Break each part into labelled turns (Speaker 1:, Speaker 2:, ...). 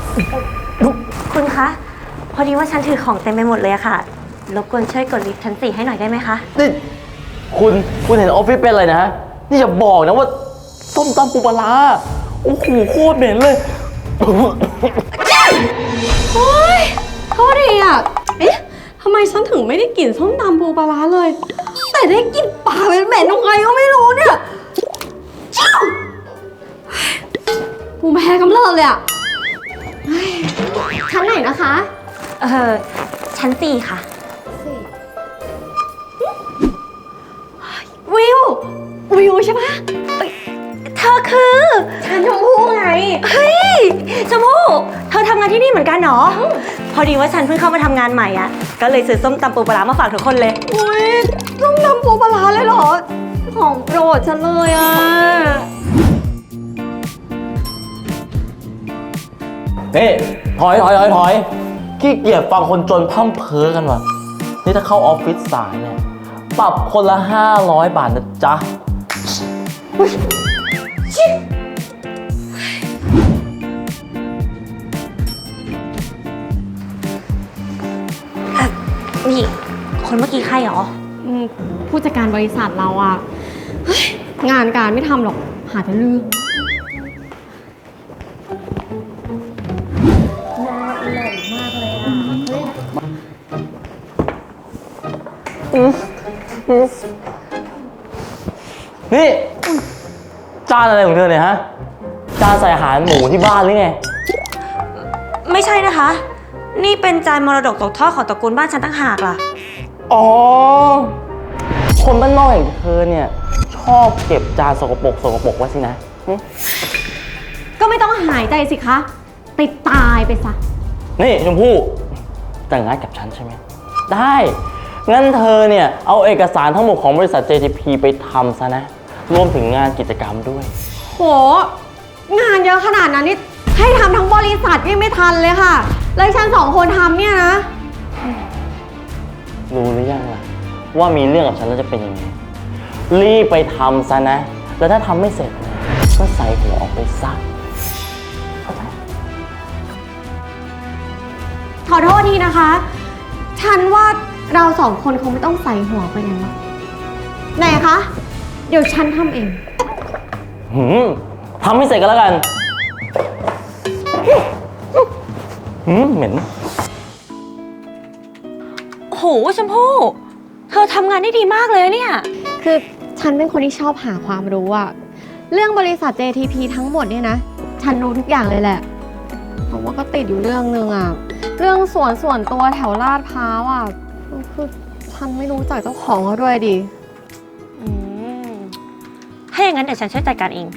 Speaker 1: คุณคะพอดีว่าฉันถือของเต็มไปหมดเลยอะค่ะรบกวนช่วยกดลิฟต์ชั้น 4ให้หน่อยได้ไหมคะ
Speaker 2: นี่คุณเห็นออฟฟิศเป็นอะไรนะนี่อย่าบอกนะว่าส้มตำปูปลาร้าโอ้โหโคตรเหม็นเลย
Speaker 3: โอ๊ยโทษทีอ่ะเอ๊ะทำไมฉันถึงไม่ได้กลิ่นส้มตำปูปลาร้าเลย แต่ได้กลิ่นปลาเหม็นๆยังไงก็ไม่รู้เนี่ยภูมิแพ้กำเริบเลยอ่ะชั้นไหนนะคะ
Speaker 1: ชั้น 4ค่ะ
Speaker 3: วิวใช่ปะ
Speaker 1: เธอคือ
Speaker 3: ฉันชมพู่ไง
Speaker 1: เฮ้ยชมพู่เธอทำงานที่นี่เหมือนกันเหรอพอดีว่าฉันเพิ่งเข้ามาทำงานใหม่อ่ะก็เลยซื้อส้มตำปูปลาร้ามาฝากทุกคนเลย
Speaker 3: อุ้ยส้มตำปูปลาร้าเลยเหรอของโปรดฉันเลยอ่ะ
Speaker 2: นี่ถอยขี้เกียจฟังคนจนพร่ำเพ้อกันว่ะนี่ถ้าเข้าออฟฟิศสายเนี่ยปรับคนละ500 บาทนะจ๊ะ
Speaker 1: นี่คนเมื่อกี้ใครหรอ
Speaker 3: ผู้จัดการบริษัทเราอ่ะงานการไม่ทำหรอกหาแต่เรื่องน่าอร่อยมากเลยอ่ะ
Speaker 2: นี่จานอะไรของเธอเนี่ยฮะจานใส่อาหารหมูที่บ้านหรือไง
Speaker 1: ไม่ใช่นะคะนี่เป็นจานมรดกตกทอดของตระกูลบ้านฉันตั้งหากล่ะ
Speaker 2: อ๋อคนบ้านนอกอย่างเธอเนี่ยชอบเก็บจานสกปรกไว้สินะ
Speaker 3: ก็ไม่ต้องหายใจสิคะติดตายไปซะ
Speaker 2: นี่ชมพู่แต่งงานกับฉันใช่ไหมได้งั้นเธอเนี่ยเอาเอกสารทั้งหมดของบริษัท JTP ไปทำซะนะรวมถึงงานกิจกรรมด้วย
Speaker 3: โหงานเยอะขนาดนั้นนี่ให้ทำทั้งบริษัทยังไม่ทันเลยค่ะเลยฉัน2 คนทำเนี่ยนะ
Speaker 2: รู้หรือยังล่ะว่ามีเรื่องกับฉันแล้วจะเป็นยังไงรีบไปทำซะนะแล้วถ้าทำไม่เสร็จก็ใส่หัวออกไปซะ
Speaker 3: ขอโทษทีนะคะฉันว่าเรา2 คนคงไม่ต้องใส่หัวไปไหนหรอกไหนคะเดี๋ยวฉันทำเอง
Speaker 2: ทำไม่เสร็จก็แล้วกันเหม็น
Speaker 1: โหชมพู่เธอทำงานได้ดีมากเลยเนี่ย
Speaker 3: คือฉันเป็นคนที่ชอบหาความรู้อะเรื่องบริษัท JTP ทั้งหมดเนี่ยนะฉันรู้ทุกอย่างเลยแหละผมว่าก็ติดอยู่เรื่องนึงอะเรื่องส่วนตัวแถวลาดพร้าวอะคือฉันไม่รู้จักเจ้าของเขาด้วยดิ
Speaker 1: ถ้าอย่างนั้นเดี๋ยวฉันช่วยจัดการเอง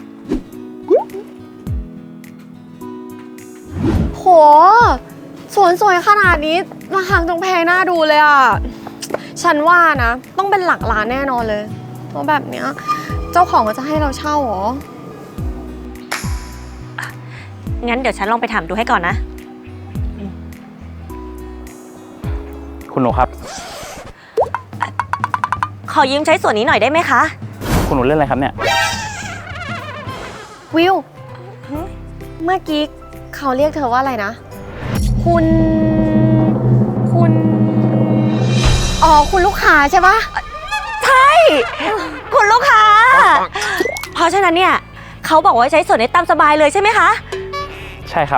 Speaker 3: โหสวนสวยขนาดนี้ราคาต้องแพงน่าดูเลยอ่ะฉันว่านะต้องเป็นหลักล้านแน่นอนเลยเพราะแบบเนี้ยเจ้าของก็จะให้เราเช่าหรอ
Speaker 1: งั้นเดี๋ยวฉันลองไปถามดูให้ก่อนนะ
Speaker 2: คุณหนูครับ
Speaker 1: ขอยืมใช้ส่วนนี้หน่อยได้ไหมคะ
Speaker 2: คุณหนูเล่นอะไรครับเนี่ย
Speaker 3: วิวเมื่อกี้เขาเรียกเธอว่าอะไรนะคุณอ๋อคุณลูกค้าใช่ปะ
Speaker 1: ใช่คุณลูกค้าเพราะฉะนั้นเนี่ยเขาบอกว่าใช้ส่วนนี้ตามสบายเลยใช่ไหมคะ
Speaker 2: ใช่ครับ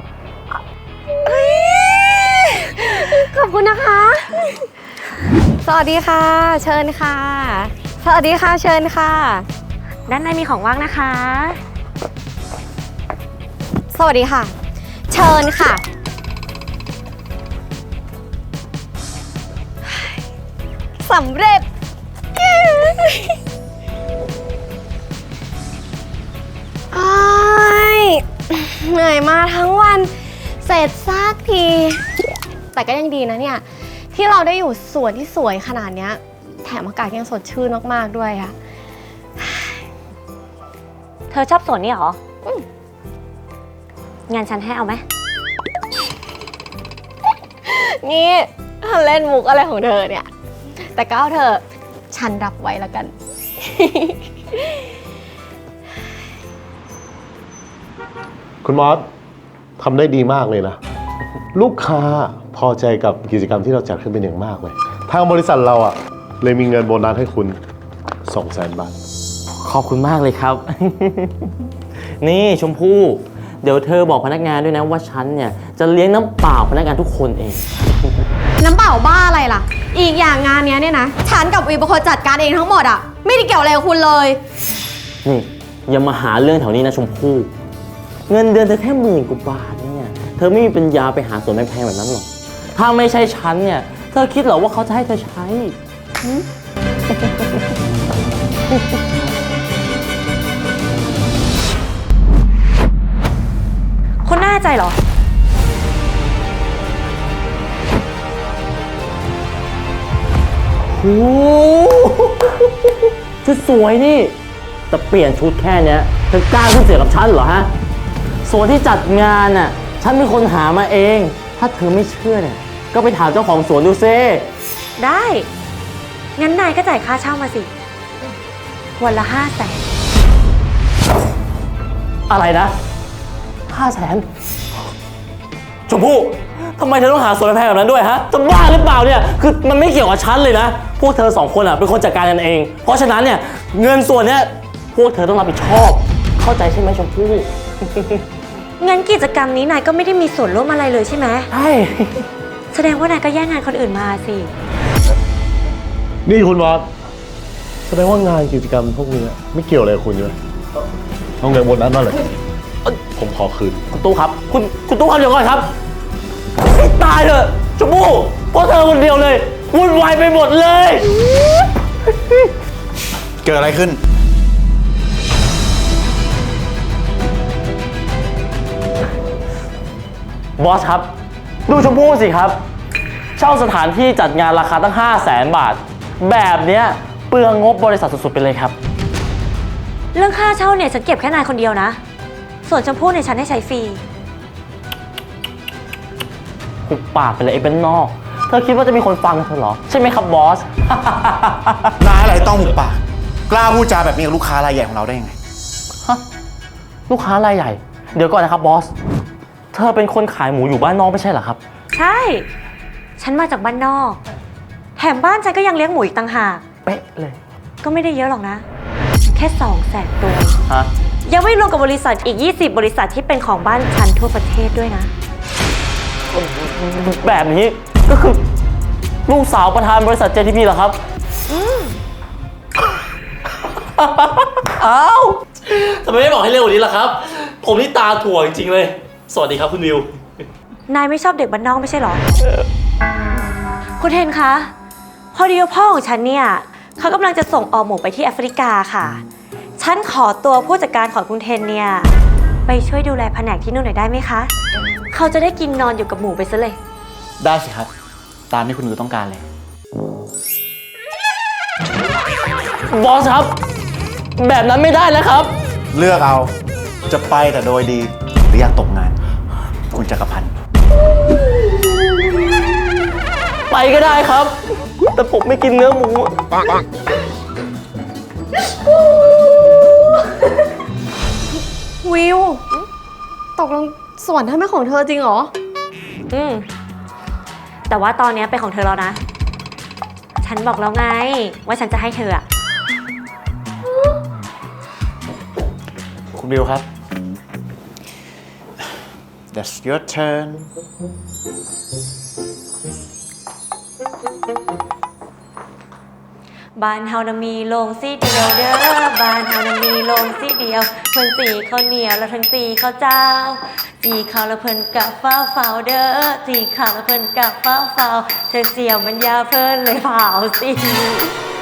Speaker 3: ขอบคุณนะคะสวัสดีค่ะเชิญค่ะสวัสดีค่ะเชิญค่ะ
Speaker 1: ด้านในมีของว่างนะคะ
Speaker 3: สวัสดีค่ะเชิญค่ะสำเร็จเหนื่อยมาทั้งวันเสร็จสักทีแต่ก็ยังดีนะเนี่ยที่เราได้อยู่สวนที่สวยขนาดนี้แถมอากาศยังสดชื่นมากๆด้วยค่ะ
Speaker 1: เธอชอบสวนนี่เหรอ งานฉันให้เอาไหม
Speaker 3: นี่เล่นมุกอะไรของเธอเนี่ยแต่ก็เอาเธอฉันรับไว้แล้วกัน
Speaker 4: คุณมอสทำได้ดีมากเลยนะลูกค้าพอใจกับกิจกรรมที่เราจัดขึ้นเป็นอย่างมากเลยทางบริษัทเราเลยมีเงินโบนัสให้คุณ 200,000 บาท
Speaker 2: ขอบคุณมากเลยครับ นี่ชมพู่เดี๋ยวเธอบอกพนักงานด้วยนะว่าฉันเนี่ยจะเลี้ยงน้ำเปล่าพนักงานทุกคนเอง
Speaker 3: น้ำเปล่าบ้าอะไรล่ะ อีกอย่างงานเนี้ยเนี่ยนะฉันกับวีเป็นคนจัดการเองทั้งหมดอะไม่ได้เกี่ยวอะไรกับคุณเลย
Speaker 2: นี่อย่ามาหาเรื่องแถวนี้นะชมพู่เงินเดือนเธอแค่10,000 กว่าบาทเนี่ยเธอไม่มีปัญญาไปหาสวนแพงๆแบบนั้นหรอกถ้าไม่ใช่ฉันเนี่ยเธอคิดเหรอว่าเขาจะให้เธอใช้
Speaker 1: คุณแน่ใจเหรอ
Speaker 2: โอ้โหชุดสวยนี่แต่เปลี่ยนชุดแค่เนี้ยเธอกล้าขึ้นเสียงกับฉันเหรอฮะส่วนที่จัดงานน่ะฉันเป็นคนหามาเองถ้าเธอไม่เชื่อเนี่ยก็ไปถามเจ้าของสวนดูซิ
Speaker 1: ได้ งั้นนายก็จ่ายค่าเช่ามาสิ วันละ500,000
Speaker 2: อะไรนะ500,000ชมพู่ทำไมเธอต้องหาสวนแพงแบบนั้นด้วยฮะจะบ้าหรือเปล่าเนี่ยคือมันไม่เกี่ยวกับฉันเลยนะพวกเธอ2 คนเป็นคนจัดการกันเองเพราะฉะนั้นเนี่ยเงินส่วนเนี้ยพวกเธอต้องรับผิดชอบเข้าใจใช่ไหมชมพู่
Speaker 1: งั้นกิจกรรมนี้นายก็ไม่ได้มีส่วนร่วมอะไรเลยใช่ไหม
Speaker 2: ใช่
Speaker 1: แสดงว่านายก็แย่งงานคนอื่นมาสิ
Speaker 4: นี่คุณบอสแสดงว่างานกิจกรรมพวกนี้ไม่เกี่ยวอะไรกับคุณใช่ไหมเอาเงินโบนัสมาเลยผมขอคืน
Speaker 2: คุณตู้ครับคุณตู้ครับเดี๋ยวก่อนครับให้ตายเถอะชมพู่เพราะเธอคนเดียวเลยวุ่นวายไปหมดเลย
Speaker 5: เกิดอะไรขึ้น
Speaker 2: บอสครับดูชมพู่สิครับเช่าสถานที่จัดงานราคาตั้ง500,000 บาทแบบเนี้ยเปลืองงบบริษัทสุดๆไปเลยครับ
Speaker 1: เรื่องค่าเช่าเนี่ยฉันเก็บแค่นายคนเดียวนะ ส่วนชมพู่เนี่ยฉันให้ใช้ฟรี
Speaker 2: หุบปากไปเลยไอ้เป็นนอกเธอคิดว่าจะมีคนฟังเธอเหรอใช่ไหมครับบอส
Speaker 5: นายอะไรต้องหุบปากกล้าพูดจาแบบนี้กับลูกค้ารายใหญ่ของเราได้ยังไง
Speaker 2: ฮะลูกค้ารายใหญ่เดี๋ยวก่อนนะครับบอสเธอเป็นคนขายหมูอยู่บ้านนอกไม่ใช่เหรอครับ
Speaker 1: ใช่ ฉันมาจากบ้านนอก แถมบ้านฉันก็ยังเลี้ยงหมูอีกต่างหาก
Speaker 2: เป๊ะเลย
Speaker 1: ก็ไม่ได้เยอะหรอกนะ แค่200,000 ตัว
Speaker 2: ฮะ
Speaker 1: ยังไม่รวมกับบริษัทอีก20 บริษัทที่เป็นของบ้านฉันทั่วประเทศด้วยนะ
Speaker 2: แบบนี้ก็คือลูกสาวประธานบริษัท JTP เหรอครับอ้าวทำไมไม่บอกให้เร็วกว่านี้ล่ะครับ ผมนี่ตาถั่วจริงๆเลย สวัสดีครับคุณวิว
Speaker 1: นายไม่ชอบเด็กบ้านนอกไม่ใช่เหรอ คุณเทนคะ พอดีว่าพ่อของฉันเนี่ยเขากำลังจะส่งออหมูไปที่แอฟริกาค่ะ ฉันขอตัวผู้จัดการของคุณเทนเนี่ยไปช่วยดูแลแผนกที่นู่นหน่อยได้ไหมคะ เขาจะได้กินนอนอยู่กับหมูไปซะเลย
Speaker 5: ได้สิครับ ตามที่คุณวิวต้องการเลย
Speaker 2: บอสครับ แบบนั้นไม่ได้แล้วครับ
Speaker 5: เลือกเอาจะไปแต่โดยดี หรืออยากตกงาน คุณจักรพันธ์
Speaker 2: ไปก็ได้ครับ แต่ผมไม่กินเนื้อหมู
Speaker 3: วิว ตกลงสวนท่านเป็นของเธอจริงเหรอ
Speaker 1: แต่ว่าตอนนี้เป็นของเธอแล้วนะ ฉันบอกแล้วไงว่าฉันจะให้เธออะ
Speaker 5: คุณวิวครับ That's your turn
Speaker 1: บ้านเฮานะมีโรงสีเดียวเด้อ บ้านเฮานะมีโรงสีเดียว เพิ่นสีข้าวเหนียวแล้วทั้งสีข้าวเจ้าสีข้าวแล้วเพิ่นกะฟ้าเฝ้าเด้อสีข้าวแล้วเพิ่นกะฟ้าเฝ้าเธอเจียวมันยาเพิ่นเลยเผาสิ